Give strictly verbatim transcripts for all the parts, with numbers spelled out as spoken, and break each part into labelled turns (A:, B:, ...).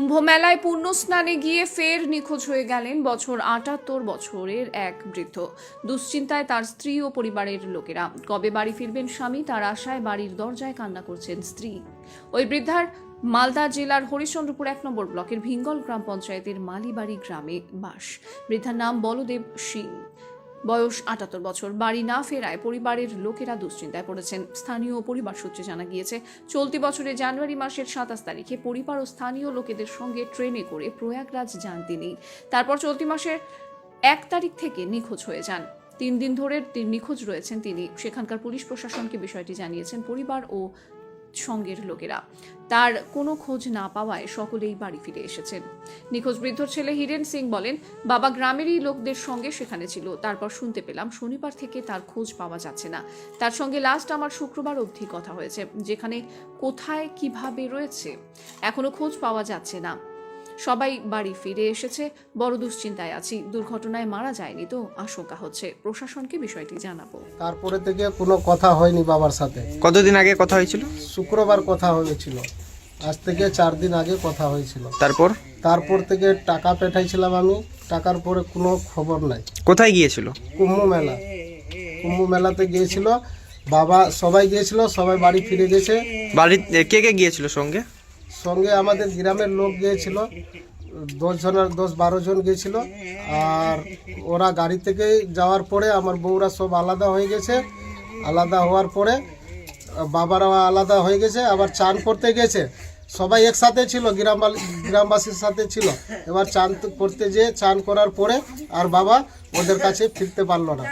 A: কুম্ভ মেলায় পুণ্য স্নানে গিয়ে ফের নিখোঁজ হয়ে গেলেন বছর আটাত্তর বছরের এক বৃদ্ধ। দুশ্চিন্তায় তার স্ত্রী ও পরিবারের লোকেরা। কবে বাড়ি ফিরবেন স্বামী, তার আশায় বাড়ির দরজায় কান্না করছেন স্ত্রী। ওই বৃদ্ধার মালদা জেলার হরিশ্চন্দ্রপুর এক নম্বর ব্লকের ভিঙ্গল গ্রাম পঞ্চায়েতের মালিবাড়ি গ্রামে বাস। বৃদ্ধার নাম বলদেব সিং, বয়স আটাত্তর বছর। বাড়ি না ফেরায় পরিবারের লোকেরা দুশ্চিন্তায় পড়েছেন। স্থানীয় পরিবার সূত্রে জানা গিয়েছে, চলতি বছরের জানুয়ারি মাসের সাতাশ তারিখে পরিবার ও স্থানীয় লোকেদের সঙ্গে ট্রেনে করে প্রয়াগরাজ যান তিনি। তারপর চলতি মাসের এক তারিখ থেকে নিখোঁজ হয়ে যান। তিন দিন ধরে নিখোঁজ রয়েছেন তিনি। সেখানকার পুলিশ প্রশাসনকে বিষয়টি জানিয়েছেন পরিবার ও সঙ্গের লোকেরা। তার কোনো খোঁজ না পাওয়ায় সকলেই বাড়ি ফিরে এসেছেন। নিখোঁজ বৃদ্ধ ছেলে হিরেন সিং বলেন, বাবা গ্রামেরই লোকদের সঙ্গে সেখানে ছিল। তারপর শুনতে পেলাম শনিবার থেকে তার খোঁজ পাওয়া যাচ্ছে না। তার সঙ্গে লাস্ট আমার শুক্রবার অবধি কথা হয়েছে, যেখানে কোথায় কিভাবে রয়েছে এখনো খোঁজ পাওয়া যাচ্ছে না। সবাই বাড়ি ফিরে এসেছে, বড় দুশ্চিন্তায় আছি। দুর্ঘটনায় মারা যায়নি তো, আশঙ্কা হচ্ছে। প্রশাসনকে বিষয়টি জানাবো।
B: তারপরে থেকে কোনো কথা হয়নি বাবার সাথে।
C: কতদিন আগে কথা হয়েছিল?
B: শুক্রবার কথা হয়েছিল, আজ থেকে চার দিন আগে কথা হয়েছিল।
C: তারপর
B: তারপর থেকে টাকা পাঠাইছিলাম আমি, টাকার পরে কোনো খবর নাই।
C: কোথায় গিয়েছিল?
B: কুম্ভ মেলা, কুম্ভ মেলাতে গিয়েছিল বাবা, সবাই গিয়েছিল, সবাই বাড়ি ফিরে গেছে।
C: বাড়ি কে কে গিয়েছিল সঙ্গে?
B: সঙ্গে আমাদের গ্রামের লোক গিয়েছিল, দশ জনের দশ বারো জন গিয়েছিল। আর ওরা গাড়ি থেকে যাওয়ার পরে আমার বউরা সব আলাদা হয়ে গেছে। আলাদা হওয়ার পরে বাবারা আলাদা হয়ে গেছে, আবার চান করতে গেছে। সবাই একসাথে ছিল, গ্রাম গ্রামবাসীর সাথে ছিল। এবার চান করতে যেয়ে চান করার পরে আর বাবা ওদের কাছে ফিরতে পারলো না।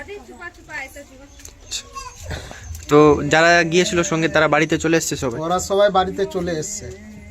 C: তো যারা গিয়েছিল সঙ্গে তারা বাড়িতে চলে এসছে সবাই?
B: ওরা সবাই বাড়িতে চলে এসছে।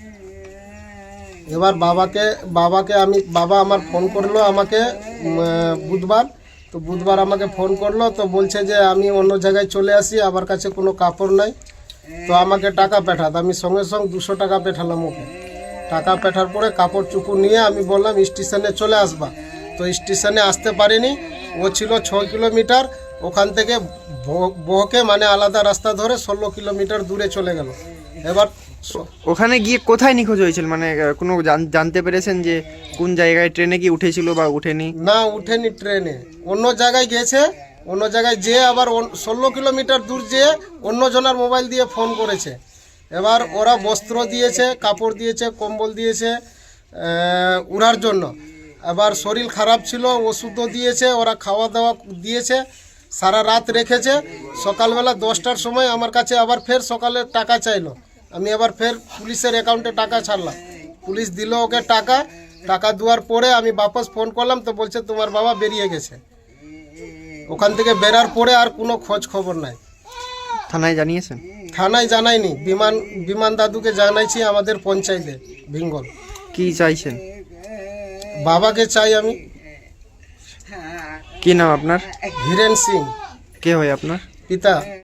B: এবার বাবাকে বাবাকে আমি বাবা আমার ফোন করলো আমাকে বুধবার। তো বুধবার আমাকে ফোন করলো, তো বলছে যে আমি অন্য জায়গায় চলে আসি, আমার কাছে কোনো কাপড় নাই, তো আমাকে টাকা পাঠাত। আমি সঙ্গে সঙ্গে দুশো টাকা পাঠালাম ওকে। টাকা পাঠার পরে কাপড় চুপু নিয়ে আমি বললাম স্টেশনে চলে আসবা। তো স্টেশনে আসতে পারিনি, ও ছিল ছ কিলোমিটার, ওখান থেকে বহকে মানে আলাদা রাস্তা ধরে ষোলো কিলোমিটার দূরে চলে গেল। এবার
C: ওখানে গিয়ে কোথায় নিখোঁজ হয়েছিল, মানে কোনো জানতে পেরেছেন যে কোন জায়গায় ট্রেনে কি উঠেছিল বা উঠেনি?
B: না, উঠেনি ট্রেনে, অন্য জায়গায় গেছে। অন্য জায়গায় যেয়ে আবার ষোলো কিলোমিটার দূর যেয়ে অন্য জনের মোবাইল দিয়ে ফোন করেছে। এবার ওরা বস্ত্র দিয়েছে, কাপড় দিয়েছে, কম্বল দিয়েছে উড়ার জন্য। আবার শরীর খারাপ ছিল, ওষুধও দিয়েছে, ওরা খাওয়া দাওয়া দিয়েছে, সারা রাত রেখেছে। সকালবেলা দশটার সময় আমার কাছে আবার ফের সকালে টাকা চাইলো। আমি আবার ফের পুলিশের অ্যাকাউন্টে টাকা ছাড়লাম, পুলিশ দিল ওকে টাকা। টাকা দেওয়ার পরে আমি বাপস ফোন করলাম, তো বলছে তোমার বাবা বেরিয়ে গেছে। ওখান থেকে বেরার পরে আর কোনো খোঁজ খবর নাই।
C: থানায় জানিয়েছেন?
B: থানায় জানাইনি, বিমান বিমান দাদুকে জানাইছি আমাদের পঞ্চায়েতে ভিঙ্গল।
C: কি চাইছেন?
B: বাবাকে চাই আমি।
C: কি নাম আপনার?
B: হিরেন সিং।
C: কে হয় আপনার
B: পিতা?